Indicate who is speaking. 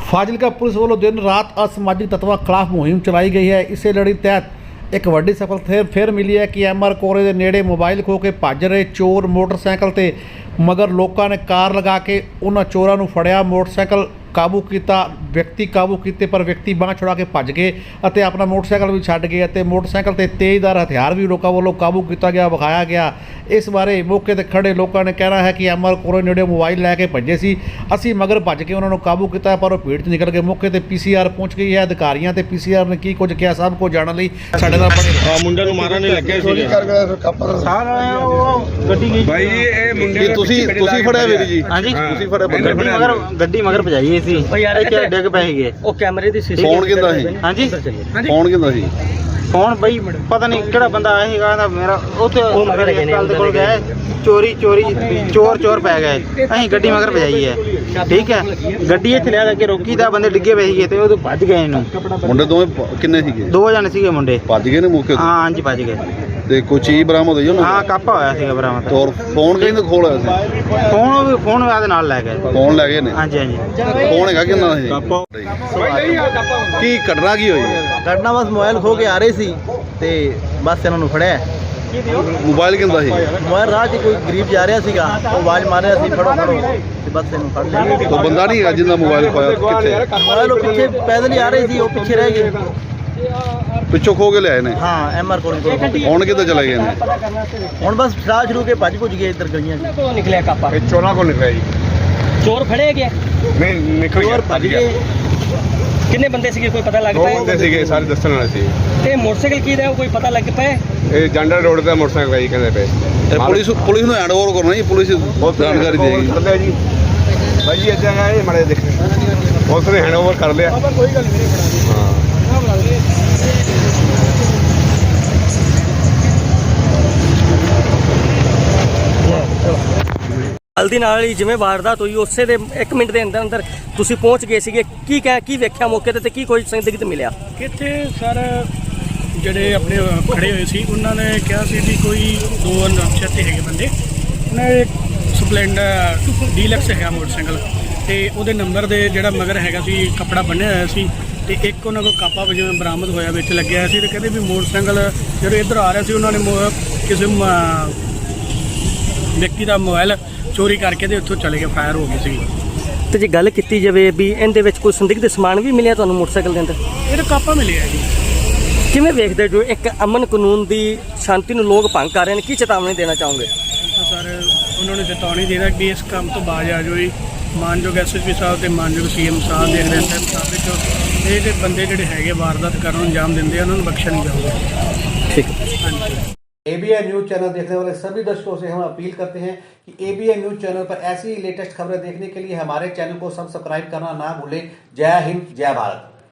Speaker 1: Fazilka police ਵੱਲੋਂ ਦਿਨ ਰਾਤ ਅਸਮਾਜਿਕ ਤੱਤਾਂ ਖਿਲਾਫ ਮੁਹਿੰਮ ਚਲਾਈ ਗਈ ਹੈ। ਇਸੇ ਲੜੀ ਤਹਿਤ ਇੱਕ ਵੱਡੀ ਸਫਲਤਾ ਫਿਰ ਮਿਲੀ ਹੈ ਕਿ ਐਮਆਰ ਕੋਰੇ ਦੇ ਨੇੜੇ ਮੋਬਾਈਲ ਖੋ ਕੇ ਭੱਜ ਰਹੇ ਚੋਰ ਮੋਟਰਸਾਈਕਲ ਤੇ ਮਗਰ ਲੋਕਾਂ ਨੇ ਕਾਰ ਲਗਾ ਕੇ ਉਹਨਾਂ ਚੋਰਾਂ ਨੂੰ ਫੜਿਆ। ਮੋਟਰਸਾਈਕਲ ਕਾਬੂ ਕੀਤਾ, ਵਿਅਕਤੀ ਕਾਬੂ ਕੀਤੇ, ਪਰ ਵਿਅਕਤੀ ਬਾਂਹ ਛੁਡਾ ਕੇ ਭੱਜ ਗਏ ਅਤੇ ਆਪਣਾ ਮੋਟਰਸਾਈਕਲ ਵੀ ਛੱਡ ਗਏ ਅਤੇ ਮੋਟਰਸਾਈਕਲ ਤੇ ਤੇਜ਼ਦਾਰ ਹਥਿਆਰ ਵੀ ਲੋਕਾਂ ਵੱਲੋਂ ਕਾਬੂ ਕੀਤਾ ਗਿਆ, ਵਿਖਾਇਆ ਗਿਆ। ਇਸ ਬਾਰੇ ਮੌਕੇ ਤੇ ਖੜੇ ਲੋਕਾਂ ਨੇ ਕਹਿਣਾ ਹੈ ਕਿ ਐਮਆਰ ਕੋਰੇ ਨੇੜੇ ਮੋਬਾਈਲ ਲੈ ਕੇ ਭੱਜੇ ਸੀ, ਅਸੀਂ ਮਗਰ ਭੱਜ ਕੇ ਉਹਨਾਂ ਨੂੰ ਕਾਬੂ ਕੀਤਾ, ਪਰ ਉਹ ਭੀੜ 'ਚ ਨਿਕਲ ਗਏ। ਮੌਕੇ ਤੇ ਪੀਸੀਆਰ ਪਹੁੰਚ ਗਈ ਹੈ। ਅਧਿਕਾਰੀਆਂ ਤੇ ਪੀਸੀਆਰ ਨੇ ਕੀ ਕੁਝ ਕਿਹਾ ਸਭ ਕੁਝ ਜਾਣਨ ਲਈ ਸਾਡੇ ਨਾਲ ਬਣੇ
Speaker 2: ਮੁੰਡੇ ਨੂੰ ਮਾਰਨ ਨਹੀਂ ਲੱਗਿਆ ਸੀ ਭਾਈ। ਇਹ ਮੁੰਡੇ
Speaker 3: ਤੁਸੀਂ ਫੜਿਆ ਵੀਰ ਜੀ?
Speaker 4: ਹਾਂਜੀ
Speaker 3: ਤੁਸੀਂ ਫੜਿਆ
Speaker 4: ਗੱਡੀ ਮਗਰ ਭਜਾਈ ਸੀ ਇੱਥੇ ਡਿੱਗ ਪਏ ਸੀਗੇ।
Speaker 5: ਉਹ ਕੈਮਰੇ ਦੀ ਸੀਸੀ
Speaker 3: ਫੋਨ ਕਿੰਦਾ ਸੀ?
Speaker 4: ਹਾਂਜੀ
Speaker 3: ਫੋਨ ਕਿੰਦਾ ਸੀ?
Speaker 4: ਫੋਨ ਬਈ ਪਤਾ ਨਹੀਂ ਕਿਹੜਾ ਬੰਦਾ ਆਇਆ ਸੀਗਾ ਨਾ ਮੇਰਾ ਉੱਥੇ ਕੱਲ ਦੇ ਕੋਲ ਗਏ ਚੋਰ ਪੈ ਗਏ। ਅਸੀਂ ਗੱਡੀ ਮਗਰ ਭਜਾਈ ਹੈ, ਠੀਕ ਹੈ। ਗੱਡੀ ਇੱਥੇ ਲਿਆ ਕੇ ਰੋਕੀ ਤਾਂ ਬੰਦੇ ਡਿੱਗੇ ਪਏ ਸੀਗੇ ਤੇ ਉਹ ਭੱਜ ਗਏ। ਇਹਨੂੰ
Speaker 3: ਮੁੰਡੇ ਦੋਵੇਂ ਕਿੰਨੇ ਸੀਗੇ?
Speaker 4: 2 ਜਣੇ ਸੀਗੇ ਮੁੰਡੇ।
Speaker 3: ਭੱਜ ਗਏ ਨੇ ਮੌਕੇ
Speaker 4: ਹਾਂ ਹਾਂਜੀ ਭੱਜ ਗਏ।
Speaker 3: ਤੇ ਕੋਈ ਚੀਜ਼ ਬਰਾਮਦ ਹੋਈ ਉਹਨਾਂ
Speaker 4: ਹਾਂ ਕਾਪਾ ਹੋਇਆ ਸੀਗਾ ਬਰਾਮਦ।
Speaker 3: ਤੋਂ? ਫੋਨ ਕਹਿੰਦੇ ਖੋਲ ਹੋਇਆ ਸੀ?
Speaker 4: ਫੋਨ ਉਹਦੇ ਨਾਲ ਲੈ ਗਏ।
Speaker 3: ਫੋਨ ਲੈ ਗਏ ਨੇ?
Speaker 4: ਹਾਂਜੀ ਹਾਂਜੀ।
Speaker 3: ਫੋਨ ਹੈਗਾ ਕਿੰਨਾ ਸੀ? ਕੀ ਘਟਨਾ ਕੀ ਹੋਈ?
Speaker 5: ਘਟਨਾ ਬਸ ਮੋਬਾਈਲ ਖੋ ਕੇ ਆ ਰਹੇ ਸੀ ਤੇ ਬਸ ਇਹਨਾਂ ਨੂੰ ਫੜਿਆ।
Speaker 3: ਮੋਬਾਈਲ ਕਿੰਦਾ ਸੀ?
Speaker 5: ਮੋਬਾਈਲ ਰਾਹ 'ਚ ਕੋਈ ਗਰੀਬ ਜਾ ਰਿਹਾ ਸੀਗਾ, ਉਹ ਆਵਾਜ਼ ਮਾਰ ਰਿਹਾ ਸੀ ਫੜੋ ਤੇ ਬਸ ਇਹਨੂੰ ਫੜ ਲਿਆ।
Speaker 3: ਤੋਂ ਬੰਦਾ ਨਹੀਂ ਹੈਗਾ ਜਿੰਦਾ ਮੋਬਾਈਲ ਖੋਇਆ? ਕਿੱਥੇ?
Speaker 5: ਮੋਬਾਈਲ ਉਹ ਪਿੱਛੇ ਪੈਦਲ ਹੀ ਆ ਰਹੇ ਸੀ, ਉਹ ਪਿੱਛੇ ਰਹਿ ਗਏ।
Speaker 3: ਪਿੱਛੋਂ ਖੋ ਕੇ ਲਿਆਏ ਨੇ?
Speaker 5: ਹਾਂ ਐਮਆਰ ਕੋਲ
Speaker 3: ਹੁਣ ਕਿੱਥੇ ਚਲੇ ਗਏ ਨੇ?
Speaker 5: ਹੁਣ ਬਸ ਸ਼ਰਾਬ ਸ਼ੁਰੂ ਕੇ ਭੱਜ ਗਏ ਇੱਧਰ ਗਲੀਆਂ 'ਚ।
Speaker 2: ਤੋਂ ਨਿਕਲਿਆ ਕਾਪਾ? ਇਹ ਚੋਰਾਂ ਕੋਲ ਨਿਕਲਿਆ ਜੀ।
Speaker 5: ਚੋਰ ਫੜੇ ਗਏ?
Speaker 2: ਨਹੀਂ ਨਿਕਲ ਗਿਆ,
Speaker 5: ਭੱਜ ਗਏ। ਕਿੰਨੇ ਬੰਦੇ ਸੀਗੇ ਕੋਈ ਪਤਾ ਲੱਗ
Speaker 2: 2 ਬੰਦੇ ਸੀਗੇ, ਸਾਰੇ ਦੱਸਣ ਵਾਲੇ ਸੀ।
Speaker 5: ਤੇ ਮੋਟਰਸਾਈਕਲ ਕੀ ਦਾ ਕੋਈ ਪਤਾ ਲੱਗ ਪਿਆ?
Speaker 2: ਇਹ ਜੰਡਰ ਰੋਡ ਦਾ ਮੋਟਰਸਾਈਕਲ ਹੈ ਕਹਿੰਦੇ ਪਏ।
Speaker 3: ਤੇ ਪੁਲਿਸ ਨੂੰ ਹੈਂਡਓਵਰ ਕਰਨਾ ਜੀ, ਪੁਲਿਸ ਜਾਣਕਾਰੀ ਦੇਗੀ
Speaker 2: ਜੀ। ਭਾਈ ਜੀ ਇੱਦਾਂ ਹੈ, ਇਹ ਮਾੜੇ ਦੇਖ ਪੁਲਿਸ ਨੇ ਹੈਂਡਓਵਰ ਕਰ ਲਿਆ। ਕੋਈ ਗੱਲ ਨਹੀਂ ਹਾਂ।
Speaker 5: ਜਲਦੀ ਨਾਲ ਹੀ ਜਿਵੇਂ ਵਾਰਦਾਤ ਹੋਈ ਉਸੇ ਦੇ 1 ਮਿੰਟ ਦੇ ਅੰਦਰ ਤੁਸੀਂ ਪਹੁੰਚ ਗਏ ਸੀਗੇ। ਕੀ ਵੇਖਿਆ ਮੌਕੇ ਤੇ ਕੀ ਕੋਈ ਸੰਦਿਗਧ ਮਿਲਿਆ?
Speaker 6: ਇੱਥੇ ਸਰ ਜਿਹੜੇ ਆਪਣੇ ਖੜੇ ਹੋਏ ਸੀ ਉਹਨਾਂ ਨੇ ਕਿਹਾ ਸੀ ਵੀ ਕੋਈ 2 ਅਣਪਛਾਤੇ ਹੈਗੇ ਬੰਦੇ, ਉਹਨਾਂ ਨੇ ਸਪਲੈਂਡਰ ਡੀਲਕਸ ਹੈਗਾ ਮੋਟਰਸਾਈਕਲ ਤੇ ਉਹਦੇ ਨੰਬਰ ਦੇ ਜਿਹੜਾ ਮਗਰ ਹੈਗਾ ਸੀ ਕੱਪੜਾ ਬੰਨਿਆ ਹੋਇਆ ਸੀ ਤੇ ਇੱਕ ਉਹਨਾਂ ਕੋਲ ਕਾਪਾ ਜਿਵੇਂ ਬਰਾਮਦ ਹੋਇਆ ਵਿੱਚ ਲੱਗਿਆ ਸੀ ਤੇ ਕਹਿੰਦੇ ਵੀ ਮੋਟਰਸਾਈਕਲ ਜਦੋਂ ਇੱਧਰ ਆ ਰਿਹਾ ਸੀ ਉਹਨਾਂ ਨੇ ਕਿਸੇ ਵਿਅਕਤੀ ਦਾ ਮੋਬਾਈਲ ਚੋਰੀ ਕਰਕੇ ਤੇ ਉੱਥੋਂ ਚਲੇ ਗਏ, ਫਾਇਰ ਹੋ ਗਈ ਸੀ।
Speaker 5: ਤੇ ਜੇ ਗੱਲ ਕੀਤੀ ਜਾਵੇ ਵੀ ਇਹਦੇ ਵਿੱਚ ਕੋਈ ਸੰਦਿਗਧ ਸਮਾਨ ਵੀ ਮਿਲਿਆ ਤੁਹਾਨੂੰ ਮੋਟਰਸਾਈਕਲ ਦੇ ਅੰਦਰ?
Speaker 6: ਇਹਦਾ ਕਾਪਾ ਮਿਲਿਆ ਜੀ।
Speaker 5: ਕਿਵੇਂ ਵੇਖਦੇ ਜੋ ਇੱਕ ਅਮਨ ਕਾਨੂੰਨ ਦੀ ਸ਼ਾਂਤੀ ਨੂੰ ਲੋਕ ਭੰਗ ਕਰ ਰਹੇ ਨੇ, ਕੀ ਚੇਤਾਵਨੀ ਦੇਣਾ ਚਾਹੋਗੇ?
Speaker 6: ਸਰ ਉਹਨਾਂ ਨੂੰ ਚੇਤਾਵਨੀ ਦੇਣਾ ਕਿ ਇਸ ਕੰਮ ਤੋਂ ਬਾਜ਼ ਆ ਜਾਓ ਜੀ। ਮਾਨਯੋਗ ਐਸਐਸਪੀ ਸਾਹਿਬ ਤੇ ਮਾਨਯੋਗ ਸੀਐਮ ਸਾਹਿਬ ਦੇ ਨਿਰਦੇਸ਼ਾਂ ਮੁਤਾਬਿਕ ਇਹ ਬੰਦੇ ਜਿਹੜੇ ਹੈਗੇ ਵਾਰਦਾਤ ਕਰਨ ਨੂੰ ਅੰਜਾਮ ਦਿੰਦੇ ਆ ਉਹਨਾਂ ਨੂੰ ਬਖਸ਼ਿਆ नहीं जाऊंगा।
Speaker 5: ठीक है।
Speaker 1: ABN न्यूज़ चैनल देखने वाले सभी दर्शकों से हम अपील करते हैं कि ABN न्यूज़ चैनल पर ऐसी ही लेटेस्ट खबरें देखने के लिए हमारे चैनल को सब्सक्राइब करना ना भूलें। जय हिंद, जय भारत।